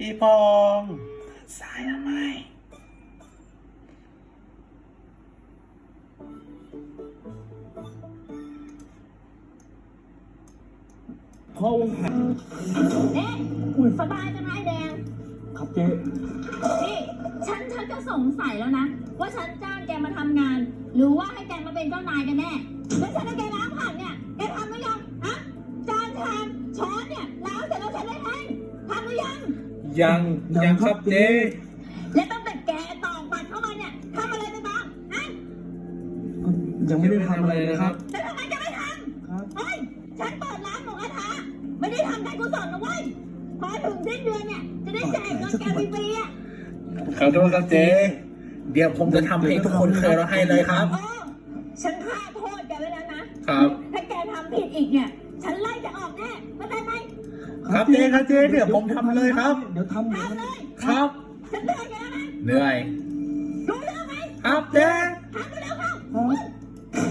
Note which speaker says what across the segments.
Speaker 1: พี่พองสายทำไม
Speaker 2: พ่อวงแผน
Speaker 3: เอ๊ะอุ่นสบายจังไงแดง
Speaker 2: ครับเจ๊
Speaker 3: นี่ฉันก็สงสัยแล้วนะ ว่าฉันจ้างแกมาทำงาน หรือว่าให้แกมาเป็นเจ้านายกันแน่แล้วฉันให้แกล้างผักเนี่ยแกทำหรือยังฮะจานชามช้อนเนี่ยล้างเสร็จแล้วฉันได้ไหมทำหรือยัง
Speaker 1: ยังครับเจ๊
Speaker 3: และตั้งแต่แกตอกบัตรเข้ามาเนี่ยทำอะไรไปบ้างฮะ
Speaker 2: ยังไม่ได้ทำอะไรนะครับ
Speaker 3: แล้วทำไมจะไม่ท
Speaker 2: ครับ
Speaker 3: ำเฮ้ยฉันเปิดร้านหมูกระทะไม่ได้ทำการกุศลนะเว้ยพอถึงสิ้นเดือนเนี่ยจะได้แจกเงินแกฟรีๆอ่ะ
Speaker 1: ขอโทษครับเจ๊เดี๋ยวผมจะทำให้ทุกคนเคยเราให้เลยครับ
Speaker 3: เออฉันฆ่าโทษแกไว้แล้วนะครับ ถ้าแกทำผิดอีกเนี่ย ฉันไล่จะออกแน่เข้าใจไหม
Speaker 1: ครับเจ๊ครับเจ๊เดี๋ยวผมทำเลยครับ
Speaker 2: เดี๋ยวทำ
Speaker 3: ทำเลย
Speaker 1: ครับ
Speaker 3: ฉันเตือนแกแล้วนะ
Speaker 1: เหนื่อย
Speaker 3: รู้เรื่องไหม
Speaker 1: ครับเจ๊
Speaker 3: ทำไปแล้วเข้า
Speaker 2: ครับ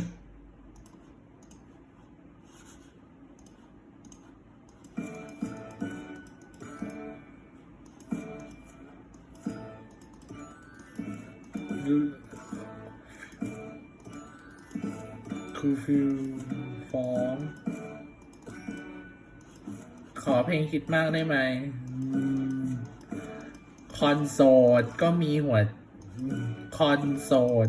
Speaker 1: คือฟิลฟ้องขอเพลงคิดมากได้ไหมคอนโสดก็มีหัวคอนโสด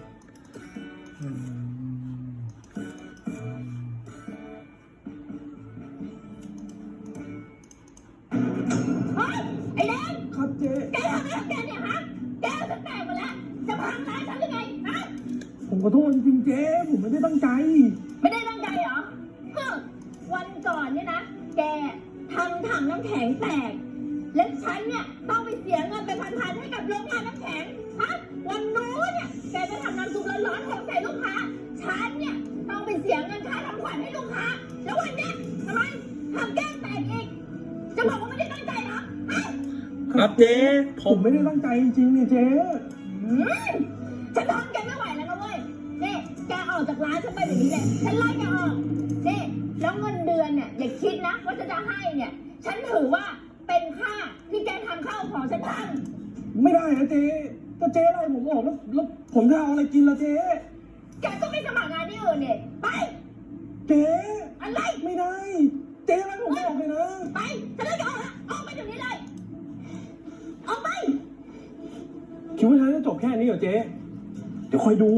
Speaker 3: เฮ้ยไอ้แดง
Speaker 2: ครับเจ๊
Speaker 3: แกทำอะไรของแกเนี่ยฮะแกเอาฉันแตกหมดแล้วจะพังร้านฉันหรือไงฮะ
Speaker 2: ผมขอโทษจริงๆเจ๊ผมไม่ได้ตั้งใจ
Speaker 3: ไม่ได้ตั้งใจเหรอฮึวันก่อนเนี่ยนะ แกทำถังน้ำแข็งแตก และฉันเนี่ยต้องไปเสียเงินไปพันๆให้กับโรงงานน้ำแข็ง ฮะ วันนู้นเนี่ยแกจะทำน้ำซุปร้อนๆของใส่ลูกค้า ฉันเนี่ยต้องไปเสียเงินค่าทำขวัญให้ลูกค้า แล้ววันเนี้ยทำไมทำแก้มแตกอีก จะบอกว่าไม่ได้ตั้งใจเหรอฮะ
Speaker 1: ครับเจ๊ผ
Speaker 2: ผม
Speaker 1: ม
Speaker 2: ไม่ได้ตั้งใจจริงๆเนี่ยเจ๊
Speaker 3: อืมฉันทนแกไม่ไหวแล้วนะเว้ยนี่แกออกจากร้านฉันไปแบบนี้เลยฉันไล่แกออกนี่แล้วเงินเดือนเนี่ยอย่าคิดนะว่าจะให้เนี่ย ฉันถือว่าเป็นค่าที่แกทำข้าวของฉันท
Speaker 2: ไม่ได้นะเจ๊ก็เจ๊ไล่ผมออกแล้วผมจะเอาอะไรกินล่ะเจ๊
Speaker 3: ำแกก็ไม่สมัครงานที่อื่นเนี่ยไป
Speaker 2: เจ๊
Speaker 3: อะไร
Speaker 2: ไม่ได้ เจ๊ไล่ผมออกเลยนะ
Speaker 3: ไปฉันไล่แกออกแล้วออกไปเดี๋ยวนี้เลยออกไป
Speaker 2: คิดว่าฉันจะจบแค่นี้เหรอเจ๊เดี๋ยวคอยดู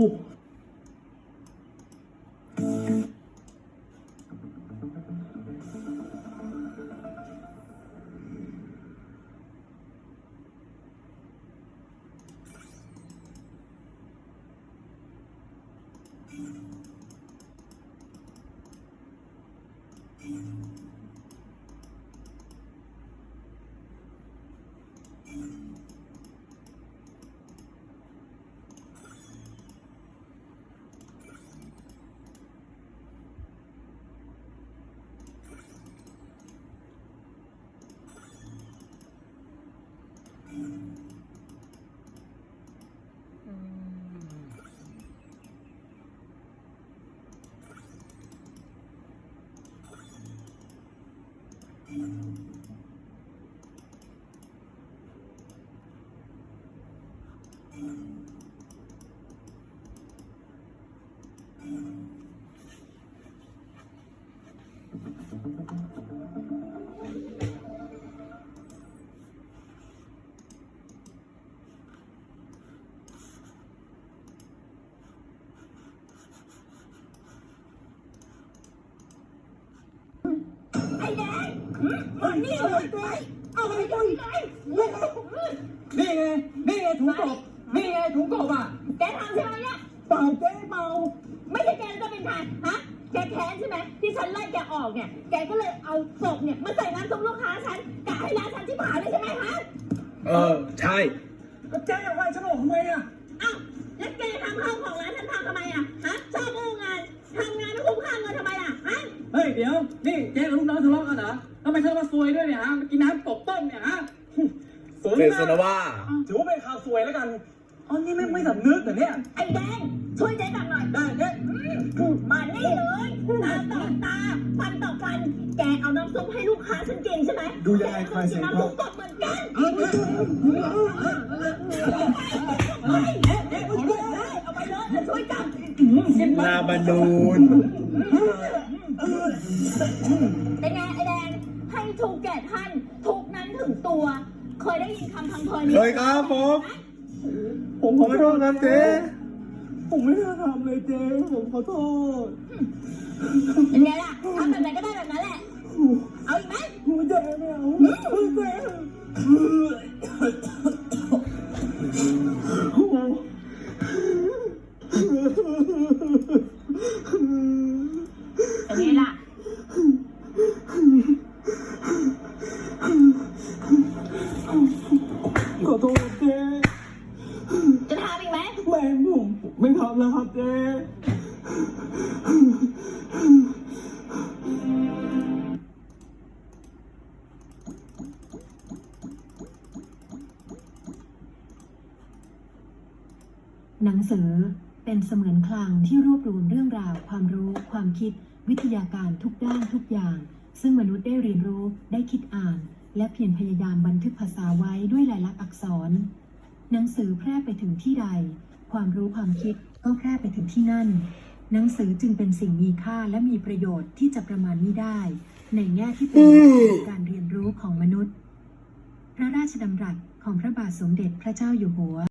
Speaker 3: ไอ้แดงมันนี่เลยไปเอาไปเลย
Speaker 2: นี่ไงนี่ไงถุงกบนี่ไงถุงกบอ่ะ
Speaker 3: แกทำใช่ไหมเนี่ย
Speaker 2: เปล่าเจ๊เปล่า
Speaker 3: ไม่ใช่แกจะเป็นใครฮะ แกแค้นใช่ไหมที่ฉันไล่แกออกเนี่ย แกก็เลยเอาศพเนี่ยมาใส่น้ำซุปลูกค้าฉันกะให้ร้านฉันที่ผ่านเลยใช่ไหมฮะ
Speaker 1: ใช่
Speaker 2: แล้วเจ๊อยากไล่ฉันออกทำไมอ่ะ
Speaker 3: อ้าวแล้วแกทำข้าวของร้านฉันทำไมอ่ะ ฮะ ชอบอู้งานทำงานไม่คุ้มค่าเงินทำไมล่ะ ฮะ
Speaker 4: เฮ้ยเดี๋ยวนี่เจ๊กับลูกน้องทะเลาะกันเหรอทำไมเธอมาซวยด้วยเนี่ยฮะมากินน้ำตกต้มเนี่ยฮะ
Speaker 2: สวย
Speaker 1: เป็น
Speaker 2: นะ
Speaker 1: สนว่า
Speaker 2: ถือว่าเป็นข่าวสวยแล้วกันอ๋อนี่ไม่สำนึกแต่เนี่ย
Speaker 3: ไอ้แดง ช่วยเจ๊จับหน่อย
Speaker 2: ได้เจ๊
Speaker 3: ไมานี่เลยตาต่อตาฟันต่อฟันแกเอาน้ำซุปให้ลูกค้าฉันกินใช่ไหม
Speaker 2: ดูยังไงใครเสร็จ
Speaker 3: น้ำ
Speaker 2: ครั
Speaker 3: ซุ
Speaker 2: บ
Speaker 3: ปสดเหมือนกันเอาไปเลยจะช่วยจับ
Speaker 1: ลาบานูน
Speaker 3: เป็นไงไอแดงให้ถูกแก่ท่านทุกนั้นถึงตัว เคยได้ยินคำพังเพยนี้
Speaker 1: เคยครับผม
Speaker 2: ผมขอโทษครับเจ๊ผมไม่ได้ทำเลยเจ๊ผมขอโทษ
Speaker 3: เป็นไงล่ะทำแบบไหนก็ได้แบบนั้นแหละ เอาอีกไหม
Speaker 2: กูเจ๊ไม่เอาเจ๊โอ้โห
Speaker 3: เป็นไงล่ะ
Speaker 2: ขอโทษเจ๊
Speaker 3: จะทำอีกไหม
Speaker 2: แม่ผมไม่ทำแล้วครับเจ๊
Speaker 5: หนังสือเป็นเสมือนคลังที่รวบรวมเรื่องราวความรู้ความคิดวิทยาการทุกด้านทุกอย่างซึ่งมนุษย์ได้เรียนรู้ได้คิดอ่านและเพียรพยายามบันทึกภาษาไว้ด้วยลายลักษณ์อักษรหนังสือแพร่ไปถึงที่ใดความรู้ความคิดก็แพร่ไปถึงที่นั่นหนังสือจึงเป็นสิ่งมีค่าและมีประโยชน์ที่จะประมาณไม่ได้ในแง่ที่เป็นการเรียนรู้ของมนุษย์พระราชดำรัสของพระบาทสมเด็จพระเจ้าอยู่หัว